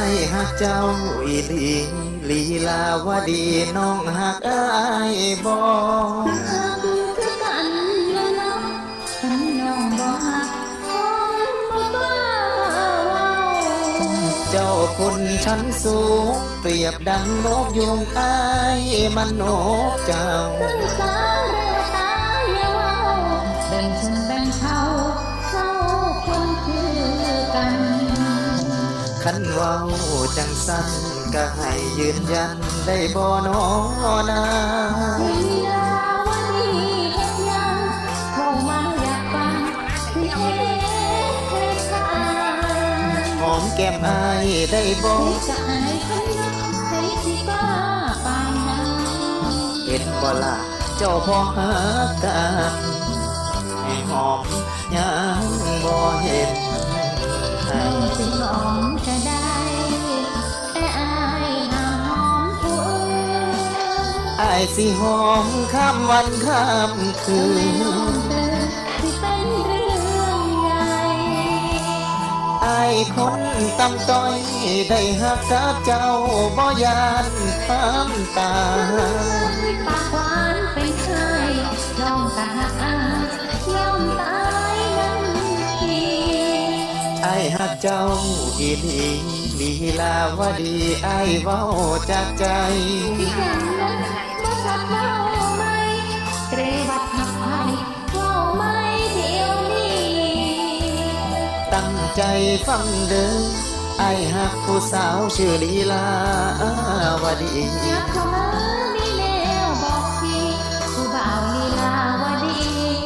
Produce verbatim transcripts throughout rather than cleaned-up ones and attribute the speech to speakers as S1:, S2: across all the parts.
S1: ายหักเจ้าอีหลีลีลาวดีน้องหักอายบ่
S2: หักคือกันแล้วเนาะฉันน้องบ่หักคงบ่กล้าเว้า
S1: เจ้าคุณชั้นสูงเปรียบดังนกยุงอายมันนกเจ้า
S2: ตั้งสาเรตาอย่าเว้าแบ่งชนแบ่งเขาเขาคนคือกัน
S1: คันเว้าจังสั้นก็ให้ยืนยันได้บ่นอนา
S2: ลีลาวดีเฮ็ดหยังเข้ามาอยากฟังสิเฮ็ดให้ขาด
S1: หอมแก้มอายได้บ่
S2: จะอายใครนะใครสิกล้าปานนั้น
S1: เห็นบ่ล่ะเจ้าพอหักกันให้หอมยังบ่เห็น
S2: น้องสิหอมก็ได้แต่อายห้ามหอมผู้อื่น
S1: อายสิหอมข้ามวันข้ามคื
S2: ทำไมน้อง
S1: น
S2: เตือนที่เป็นเรื่องใหญ่
S1: อายคนตำต้อยได้หักกับเจ้าบ่ยานความตาย
S2: ปากหวานเป็นใครน้องตาหักอายยอมตายนั้นที
S1: อายหักเจ้าอีหลีลีลาวดีอายเว้าจากใจ
S2: ที่อย่างนั้นบ่สักเว้าไหมเตรวัดหักไผเว้าไหมเดี๋ยวนี้
S1: ตั้งใจฟังเด้ออายหักผู้สาวชื่อลีลาวดี
S2: ยับเข้ามามีแนวบอกพี่ผู้บ่าวลีลาวดี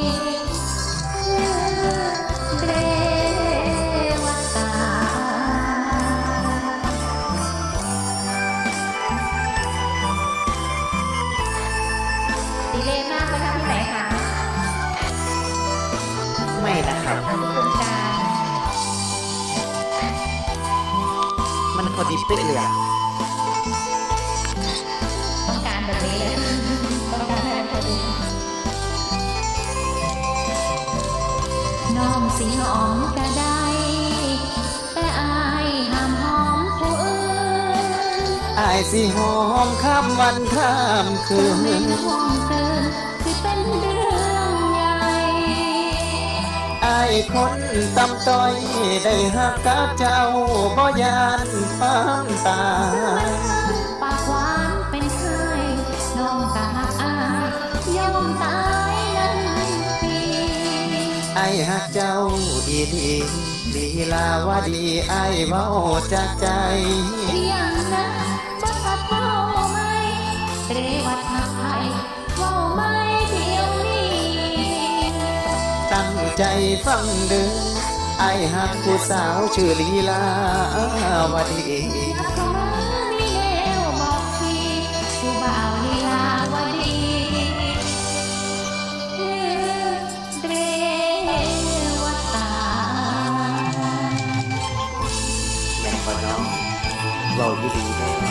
S2: เรวตาดีเลย์มากไปทำที่ไหนคะ
S1: ไม่นะครับ
S2: ทำโครงการ
S1: มันพอดีเป๊ะเลยอะ
S2: ต้องการแบบนี้เลยต้องการให้พอดีน้องสิหอมก็ได้แต่อายห้ามหอมผู้อื่น
S1: อายสิหอมข้ามวันข้ามคืน
S2: ไม่ห่วงเกินสิเป็นเรื่องใหญ่
S1: อายคนตำต้อยได้หักกับเจ้าบ่ยานความตาย
S2: ปากหวานเป็นใครน้องก็หักอายยอมตายนั้นที
S1: อายหักเจ้าอีหลีลีลาวดีอายเว้าจากใจ
S2: อย่างนั้นบ่สักเว้าไหมเรวัดหักไผเว้าไหมเดี๋ยวนี้
S1: ตั้งใจฟังเด้ออายหักผู้สาวชื่อลีลาวดี
S2: ยับเข้ามามีแนวบอกพี่ผู้บ่าวลีลาวดีเรวตา
S1: แม่นบ่น้องเว้าดีๆเด้อ